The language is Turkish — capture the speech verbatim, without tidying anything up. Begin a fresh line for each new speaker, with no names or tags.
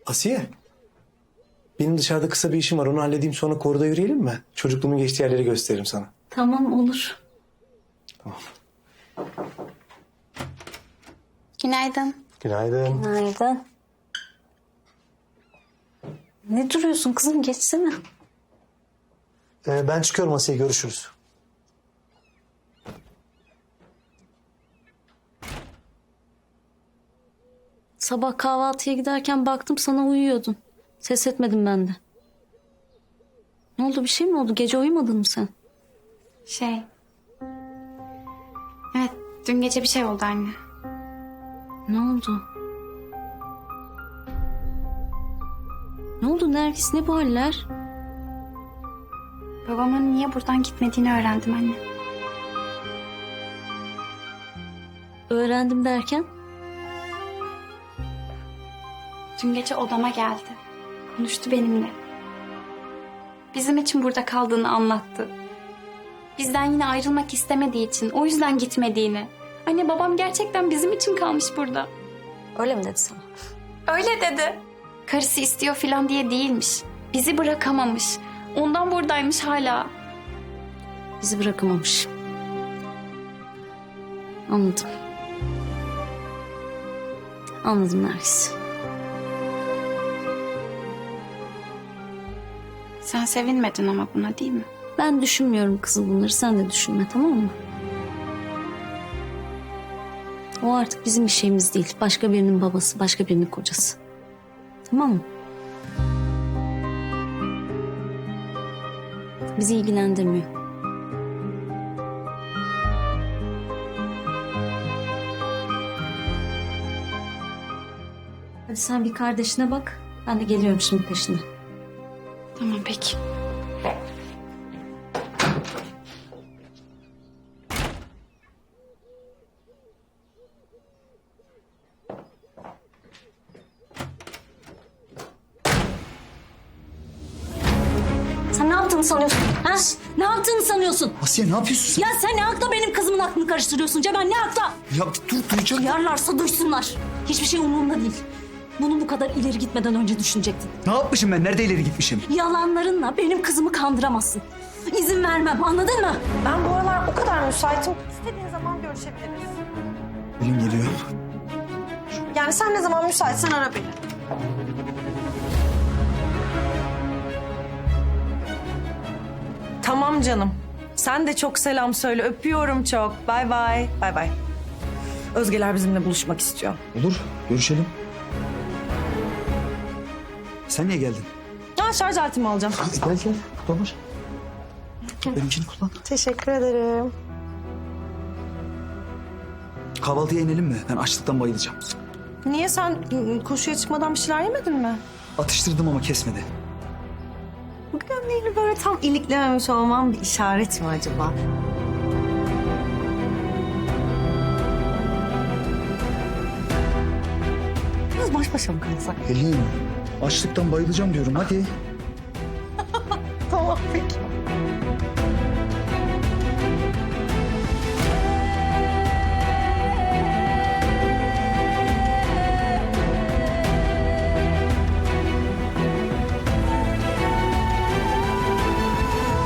Asiye. Benim dışarıda kısa bir işim var. Onu halledeyim, sonra koruda yürüyelim mi? Çocukluğumun geçtiği yerleri gösteririm sana.
Tamam, olur.
Tamam.
Günaydın.
Günaydın.
Günaydın. Ne duruyorsun kızım? Geçsene.
Ee, ben çıkıyorum Asiye. Görüşürüz.
Sabah kahvaltıya giderken baktım sana uyuyordun. Ses etmedim ben de. Ne oldu, bir şey mi oldu? Gece uyumadın mı sen?
Şey... Evet, dün gece bir şey oldu anne.
Ne oldu? Ne oldu Nergis? Ne bu haller?
Babamın niye buradan gitmediğini öğrendim anne.
Öğrendim derken?
Dün gece odama geldi. Konuştu benimle. Bizim için burada kaldığını anlattı. Bizden yine ayrılmak istemediği için, o yüzden gitmediğini. Anne, babam gerçekten bizim için kalmış burada.
Öyle mi dedi sana?
Öyle dedi. Karısı istiyor falan diye değilmiş. Bizi bırakamamış. Ondan buradaymış hala.
Bizi bırakamamış. Anladım. Anladım Nergis.
Sen sevinmedin ama buna, değil mi?
Ben düşünmüyorum kızım bunları. Sen de düşünme, tamam mı? O artık bizim bir şeyimiz değil. Başka birinin babası, başka birinin kocası. Tamam mı? Bizi ilgilendirmiyor. Hadi sen bir kardeşine bak. Ben de geliyorum şimdi peşine.
Tamam, peki.
Sen ne yaptığını sanıyorsun? Ha? Ne yaptığını sanıyorsun?
Asiye ne yapıyorsun sen?
Ya sen ne hakla benim kızımın aklını karıştırıyorsun Cemal? Ne hakla?
Ya bir dur duyacağım.
Duyarlarsa duysunlar. Hiçbir şey umurumda değil. Bunu bu kadar ileri gitmeden önce düşünecektin.
Ne yapmışım ben? Nerede ileri gitmişim?
Yalanlarınla benim kızımı kandıramazsın. İzin vermem, anladın mı?
Ben bu aralar o kadar müsaitim. İstediğin zaman görüşebiliriz.
Pelin geliyor.
Yani sen ne zaman müsaitsen ara beni. Tamam canım. Sen de çok selam söyle. Öpüyorum çok. Bay bay. Bay bay. Özgeler bizimle buluşmak istiyor.
Olur, görüşelim. Sen niye geldin?
Ya şarj aletimi alacağım.
Gel gel, kullanır. Benimkini kullan.
Teşekkür ederim.
Kahvaltıya inelim mi? Ben açlıktan bayılacağım.
Niye sen ı, koşuya çıkmadan bir şeyler yemedin mi?
Atıştırdım ama kesmedi.
Bu gömleğini böyle tam iliklememiş olmam bir işaret mi acaba? Biraz baş başa mı kalsak?
Pelin, açlıktan bayılacağım diyorum. Hadi.